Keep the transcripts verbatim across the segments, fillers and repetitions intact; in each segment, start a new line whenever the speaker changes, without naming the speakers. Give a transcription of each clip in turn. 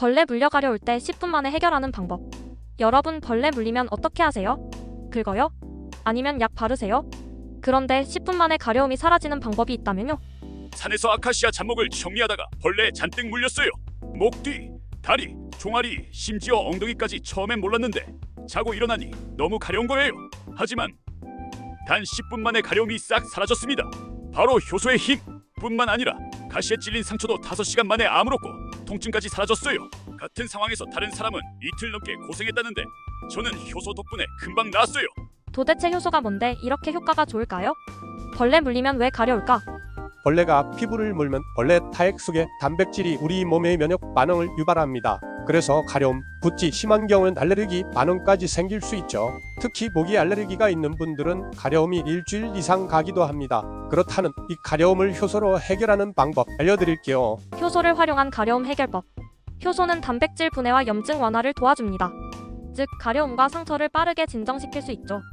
벌레 물려 가려울 때 십 분 만에 해결하는 방법. 여러분 벌레 물리면 어떻게 하세요? 긁어요? 아니면 약 바르세요? 그런데 십 분 만에 가려움이 사라지는 방법이 있다면요?
산에서 아카시아 잡목을 정리하다가 벌레에 잔뜩 물렸어요. 목 뒤, 다리, 종아리, 심지어 엉덩이까지 처음엔 몰랐는데 자고 일어나니 너무 가려운 거예요. 하지만 단 십 분 만에 가려움이 싹 사라졌습니다. 바로 효소의 힘 뿐만 아니라 가시에 찔린 상처도 다섯 시간 만에 아물었고 통증까지 사라졌어요. 같은 상황에서 다른 사람은 이틀 넘게 고생했다는데 저는 효소 덕분에 금방 나았어요.
도대체 효소가 뭔데 이렇게 효과가 좋을까요? 벌레 물리면 왜 가려울까?
벌레가 피부를 물면 벌레 타액 속의 단백질이 우리 몸의 면역 반응을 유발합니다. 그래서 가려움, 붓기 심한 경우는 알레르기 반응까지 생길 수 있죠. 특히 모기 알레르기가 있는 분들은 가려움이 일주일 이상 가기도 합니다. 그렇다는 이 가려움을 효소로 해결하는 방법 알려드릴게요.
효소를 활용한 가려움 해결법. 효소는 단백질 분해와 염증 완화를 도와줍니다. 즉 가려움과 상처를 빠르게 진정시킬 수 있죠.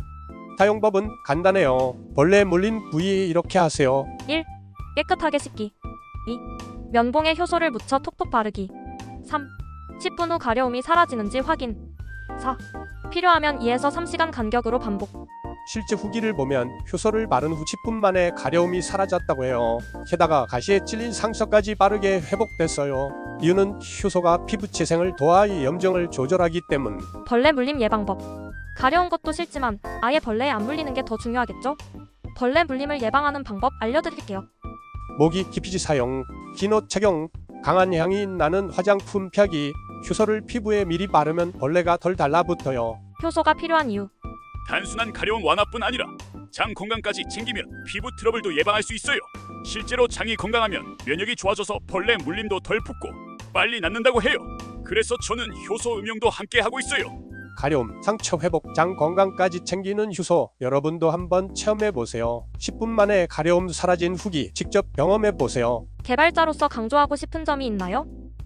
사용법은 간단해요. 벌레 물린 부위에 이렇게 하세요.
일. 깨끗하게 씻기. 이. 면봉에 효소를 묻혀 톡톡 바르기. 삼. 십 분 후 가려움이 사라지는지 확인. 사. 필요하면 이에서 삼 시간 간격으로 반복.
실제 후기를 보면 효소를 바른 후 십 분 만에 가려움이 사라졌다고 해요. 게다가 가시에 찔린 상처까지 빠르게 회복됐어요. 이유는 효소가 피부 재생을 도와 염증을 조절하기 때문.
벌레 물림 예방법. 가려운 것도 싫지만 아예 벌레에 안 물리는 게 더 중요하겠죠? 벌레 물림을 예방하는 방법 알려드릴게요.
모기 기피제 사용, 긴 옷 착용, 강한 향이 나는 화장품 펴기, 효소를 피부에 미리 바르면 벌레가 덜 달라붙어요.
효소가 필요한 이유.
단순한 가려움 완화뿐 아니라 장 건강까지 챙기면 피부 트러블도 예방할 수 있어요. 실제로 장이 건강하면 면역이 좋아져서 벌레 물림도 덜 붙고 빨리 낫는다고 해요. 그래서 저는 효소 음용도 함께 하고 있어요.
가려움, 상처 회복, 장 건강까지 챙기는 효소 여러분도 한번 체험해보세요. 십 분 만에 가려움 사라진 후기 직접 경험해보세요.
개발자로서 강조하고 싶은 점이 있나요?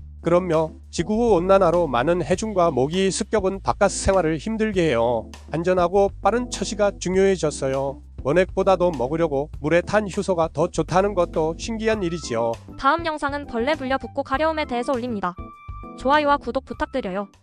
그럼요. 지구온난화로 많은 해충과 모기, 습격은 바깥 생활을 힘들게 해요. 안전하고 빠른 처치가 중요해졌어요. 원액보다도 먹으려고 물에 탄 효소가 더 좋다는 것도 신기한 일이지요.
다음 영상은 벌레 물려 붓고 가려움에 대해서 올립니다. 좋아요와 구독 부탁드려요.